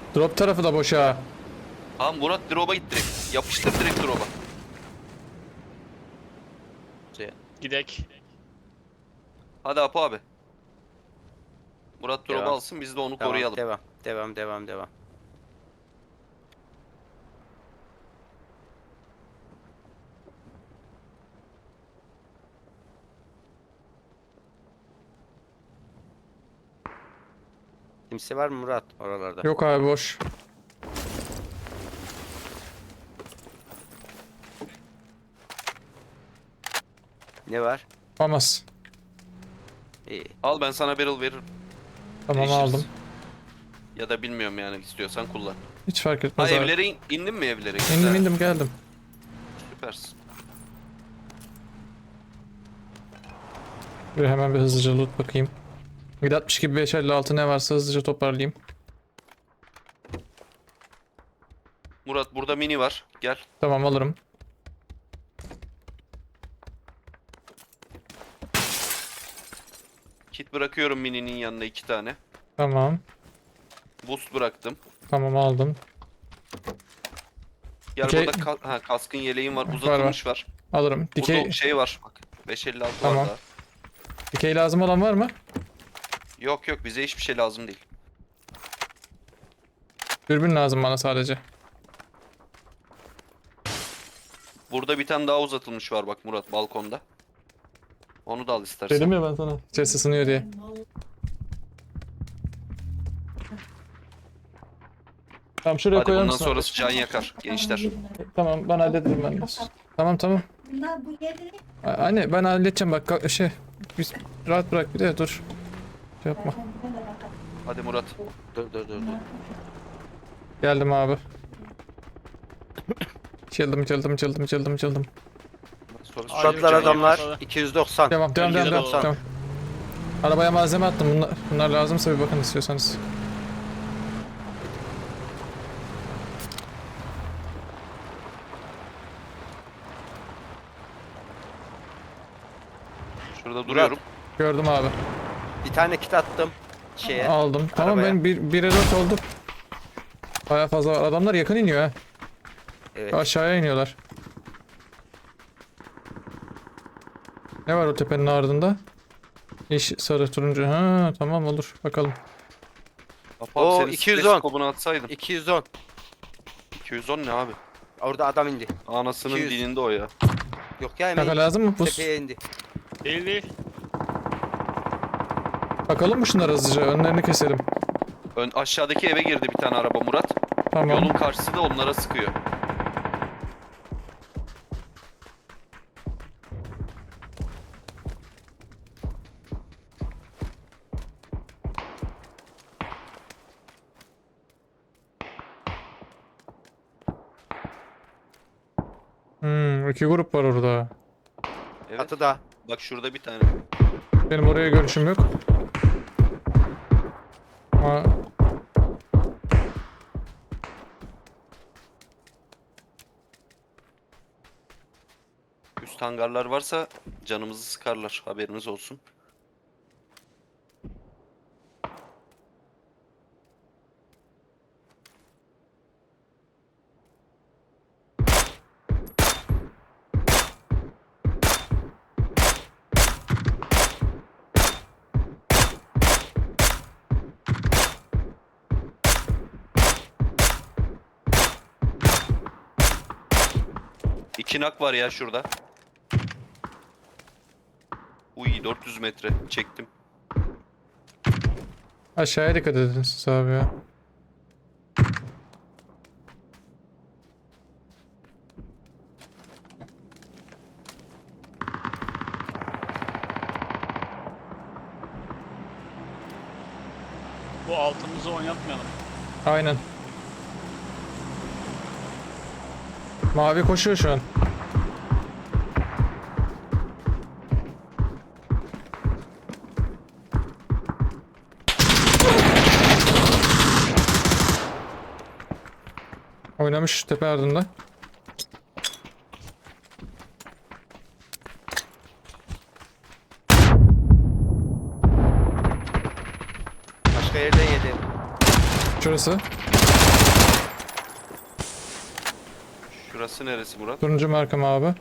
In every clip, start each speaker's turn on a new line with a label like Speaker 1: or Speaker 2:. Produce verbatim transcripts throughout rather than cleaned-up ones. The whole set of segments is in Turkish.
Speaker 1: Drop tarafı da boş ha.
Speaker 2: Tamam Murat drop'a git direkt. Yapıştır direkt drop'a.
Speaker 3: Gidek.
Speaker 2: Hadi Apo abi. Murat drop'u
Speaker 4: Devam.
Speaker 2: alsın biz de onu
Speaker 4: Tamam,
Speaker 2: koruyalım.
Speaker 4: devam. Devam, devam, devam. Kimse var mı Murat oralarda?
Speaker 1: Yok abi boş.
Speaker 4: Ne var?
Speaker 1: Olmaz.
Speaker 4: İyi.
Speaker 2: Al ben sana barrel veririm.
Speaker 1: Tamam
Speaker 2: Değişiriz.
Speaker 1: aldım.
Speaker 2: Ya da bilmiyorum yani istiyorsan kullan.
Speaker 1: Hiç fark
Speaker 2: Ha
Speaker 1: etmez abi.
Speaker 2: evlere in, indin mi evlere?
Speaker 1: İndim
Speaker 2: Güzel,
Speaker 1: indim geldim.
Speaker 2: Süpersin.
Speaker 1: Bir hemen bir hızlıca loot bakayım. yedi altmış gibi beş elli altı ne varsa hızlıca toparlayayım.
Speaker 2: Murat burada mini var. Gel.
Speaker 1: Tamam alırım.
Speaker 2: Kit bırakıyorum mininin yanına iki tane.
Speaker 1: Tamam.
Speaker 2: Boost bıraktım.
Speaker 1: Tamam aldım.
Speaker 2: Gel
Speaker 1: Dikey-
Speaker 2: burada ka- ha, kaskın yeleğin var. Uzatılmış var.
Speaker 1: Alırım.
Speaker 2: Dikey...
Speaker 1: Dikey,
Speaker 2: şey var. Bak beş elli altı
Speaker 1: Tamam.
Speaker 2: var daha.
Speaker 1: dikey lazım olan var mı?
Speaker 2: Yok yok bize hiçbir şey lazım değil.
Speaker 1: Dürbün lazım bana sadece.
Speaker 2: Burada bir tane daha uzatılmış var bak Murat balkonda. Onu da al istersen.
Speaker 1: Dedim ya ben sana. İçerisi ısınıyor diye. Tamam şuraya
Speaker 2: Hadi
Speaker 1: koyar
Speaker 2: bundan
Speaker 1: mısın?
Speaker 2: sonrası can yakar gençler.
Speaker 1: Tamam ben hallederim ben de. Tamam tamam.
Speaker 5: Bunlar bu yeri
Speaker 1: A- Anne ben halledeceğim bak ka- şey. Biz rahat bırak bir de dur. Şey yapma.
Speaker 2: Hadi Murat.
Speaker 4: Dur, dur, dur, dur.
Speaker 1: Geldim abi. Çıldım çıldım çıldım çıldım çıldım.
Speaker 2: Sonrası
Speaker 3: Ay,
Speaker 4: Şuradalar
Speaker 3: can
Speaker 4: adamlar.
Speaker 3: yakmadı.
Speaker 4: iki yüz doksan.
Speaker 1: Devam devam devam devam.
Speaker 3: Bölgede
Speaker 1: devam. Arabaya malzeme attım. Bunlar, bunlar lazımsa bir bakın istiyorsanız.
Speaker 2: Şurada duruyorum.
Speaker 1: Gördüm abi.
Speaker 4: Bir tane kit attım şeye.
Speaker 1: Aldım. Tamam
Speaker 4: Arabaya.
Speaker 1: ben bir, bire dört oldu. Baya fazla var. Adamlar yakın iniyor ha.
Speaker 4: Evet.
Speaker 1: Aşağıya iniyorlar. Ne var o tepenin ardında? Yeşil, sarı, turuncu. Ha tamam olur. Bakalım.
Speaker 2: Apo
Speaker 4: Oo,
Speaker 2: abi senin
Speaker 4: iki yüz
Speaker 2: stres
Speaker 4: on.
Speaker 2: kobunu atsaydım.
Speaker 4: iki yüz on.
Speaker 2: iki yüz on ne abi?
Speaker 4: Orada adam indi.
Speaker 2: Anasının
Speaker 4: iki yüz.
Speaker 2: dininde o ya.
Speaker 4: Yok ya hemen
Speaker 1: Kaka lazım mı? Buz.
Speaker 4: tepeye indi.
Speaker 3: Değil değil.
Speaker 1: Bakalım mı şunlar hızlıca? Önlerini keselim.
Speaker 2: Ön, aşağıdaki eve girdi bir tane araba Murat.
Speaker 1: Tamam.
Speaker 2: Yolun karşısı da onlara sıkıyor.
Speaker 1: Hmm, iki grup var orada.
Speaker 2: Evet.
Speaker 4: Çatıda.
Speaker 2: Bak şurada bir tane.
Speaker 1: Benim oraya görüşüm yok. Ama
Speaker 2: Üst hangarlar varsa canımızı sıkarlar. Haberiniz olsun. İki nak var ya şurada. Uy dört yüz metre çektim.
Speaker 1: aşağıya dikkat edin siz abi ya.
Speaker 3: Bu altımızı oynatmayalım.
Speaker 1: Aynen. Mavi koşuyor şu an. Oynamış tepe ardında.
Speaker 4: Başka yerden yedi.
Speaker 1: Şurası.
Speaker 2: Şurası neresi Murat?
Speaker 1: Turuncu markam abi.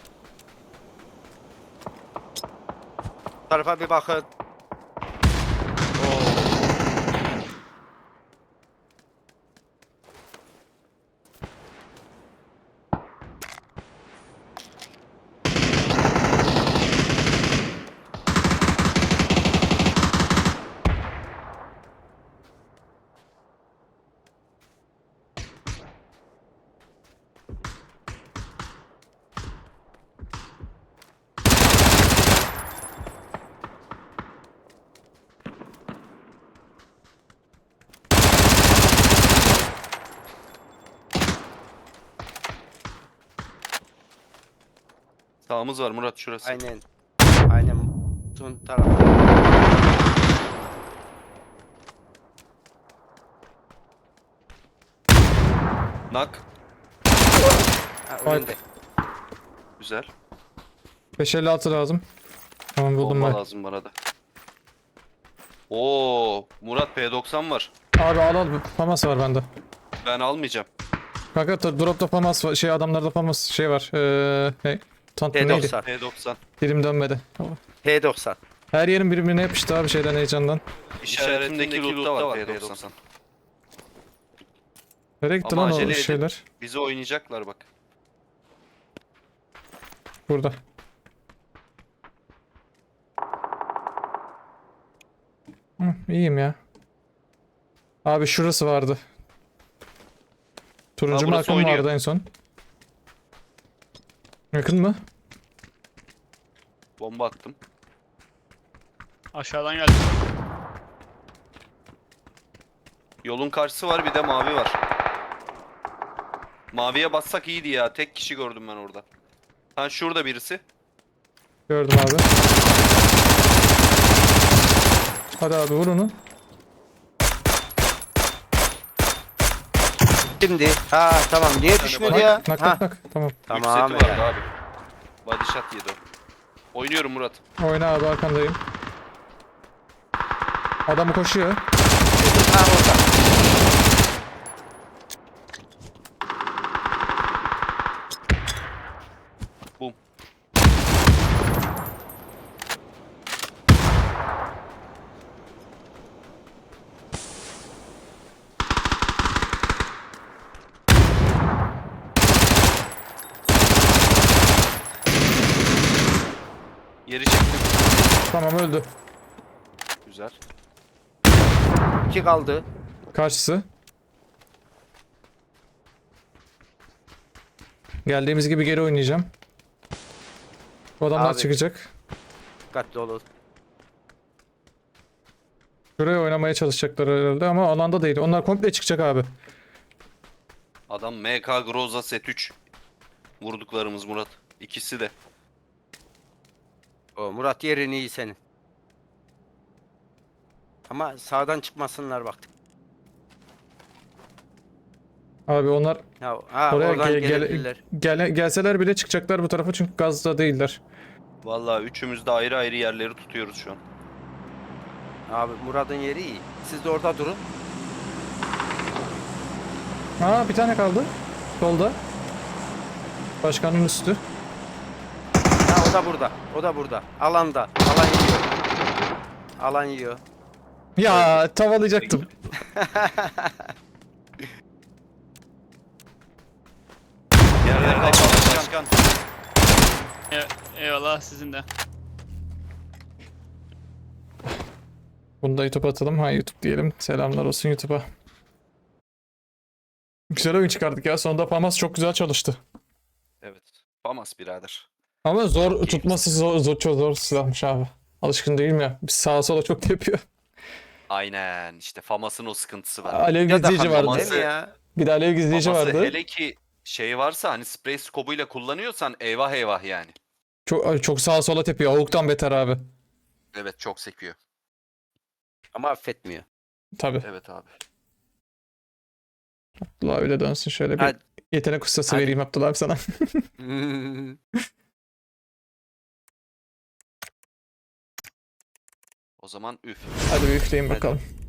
Speaker 4: Bu tarafa bir bakın.
Speaker 2: Sağımız var Murat şurası.
Speaker 4: Aynen. Aynen. Son tarafı.
Speaker 2: Nak.
Speaker 4: Ha, önünde.
Speaker 2: Güzel.
Speaker 1: beş elli altı lazım. Tamam buldum
Speaker 2: Bomba
Speaker 1: ben.
Speaker 2: lazım bana da. Oo, Murat P doksan var.
Speaker 1: Abi al al. Famas var bende.
Speaker 2: Ben almayacağım.
Speaker 1: Kanka ta- dropta famas var. Şey adamlarda famas şey var. Eee ne? Tant
Speaker 4: P
Speaker 1: neydi?
Speaker 4: doksan.
Speaker 2: P doksan.
Speaker 1: Dilim dönmedi.
Speaker 4: P doksan.
Speaker 1: Her yerin birbirine yapıştı abi şeyden heyecandan.
Speaker 2: İşaretimdeki lootta var P doksan.
Speaker 1: Nereye gitti
Speaker 2: Ama
Speaker 1: lan o
Speaker 2: acele edin.
Speaker 1: şeyler?
Speaker 2: Bizi oynayacaklar bak.
Speaker 1: Burada. Hı, iyiyim ya. Abi şurası vardı. Turuncu
Speaker 2: Ha, burası
Speaker 1: markam
Speaker 2: oynuyor.
Speaker 1: vardı en son. Yakın mı?
Speaker 2: Bomba attım.
Speaker 3: Aşağıdan geldi.
Speaker 2: Yolun karşısı var bir de mavi var. Maviye bassak iyiydi ya. Tek kişi gördüm ben orada. Ha şurada birisi.
Speaker 1: Gördüm abi. Hadi abi vur onu.
Speaker 4: Şimdi. Ha tamam. Niye
Speaker 2: tane
Speaker 4: düşmedi
Speaker 2: bak.
Speaker 4: ya?
Speaker 1: Nak nak
Speaker 4: Ha.
Speaker 1: nak. Tamam.
Speaker 4: Tamam.
Speaker 2: Yük seti vardı
Speaker 4: ya.
Speaker 2: abi. Body shot yedi o. Oynuyorum Murat.
Speaker 1: Oyna abi arkandayım. Adamı koşuyor.
Speaker 4: Ha orada.
Speaker 2: Bum. Yeri çektim.
Speaker 1: Tamam öldü.
Speaker 2: Güzel.
Speaker 4: İki kaldı.
Speaker 1: Karşısı. Geldiğimiz gibi geri oynayacağım. Bu adamlar
Speaker 4: Abi.
Speaker 1: çıkacak.
Speaker 4: Dikkatli olun.
Speaker 1: Şuraya oynamaya çalışacaklar herhalde ama alanda değil. Onlar komple çıkacak abi.
Speaker 2: Adam M K Groza set üç. Vurduklarımız Murat. İkisi de.
Speaker 4: O Murat yerin iyi senin. Ama sağdan çıkmasınlar bak.
Speaker 1: Abi onlar
Speaker 4: Ha, ha
Speaker 1: oraya
Speaker 4: oradan
Speaker 1: gel- gel-
Speaker 4: gelebilirler.
Speaker 1: gele- gelseler bile çıkacaklar bu tarafa çünkü gazda değiller.
Speaker 2: Vallahi üçümüz de ayrı ayrı yerleri tutuyoruz şu an.
Speaker 4: Abi Murat'ın yeri iyi. Siz de orada durun.
Speaker 1: Aa bir tane kaldı. Solda. Başkanın üstü.
Speaker 4: Ha o da burada. O da burada. Alanda. Alan yiyor. Alan yiyor.
Speaker 1: Ya tavalayacaktım.
Speaker 2: Yerlerde kal başkan.
Speaker 3: E- eyvallah sizin de.
Speaker 1: Bunu da YouTube atalım. Ha YouTube diyelim. Selamlar olsun YouTube'a. Güzel oyun çıkardık ya. Sonunda Famas çok güzel çalıştı.
Speaker 2: Evet. Famas birader.
Speaker 1: Ama zor tutması zor, zor çok zor silahmış abi. Alışkın değilim ya. Bir sağa sola çok tepiyor.
Speaker 2: Aynen. İşte Famas'ın o sıkıntısı var.
Speaker 1: Alev
Speaker 4: Ya da
Speaker 1: gizleyici
Speaker 4: Famas
Speaker 1: vardı.
Speaker 4: değil mi ya?
Speaker 1: Bir de alev gizleyici
Speaker 2: Famas'ı
Speaker 1: vardı.
Speaker 2: hele ki şey varsa hani sprey skobuyla kullanıyorsan eyvah eyvah yani.
Speaker 1: Çok, çok sağa sola tepiyor. Avuktan beter abi.
Speaker 2: Evet çok sekiyor.
Speaker 4: Ama affetmiyor.
Speaker 1: Tabii.
Speaker 2: Evet abi.
Speaker 1: Abdullah öyle dönsün şöyle bir
Speaker 4: Hadi.
Speaker 1: yetenek ustası
Speaker 4: Hadi.
Speaker 1: vereyim Abdullah abi sana.
Speaker 2: O zaman üf.
Speaker 1: Hadi bir üfleyin
Speaker 2: Hadi.
Speaker 1: bakalım.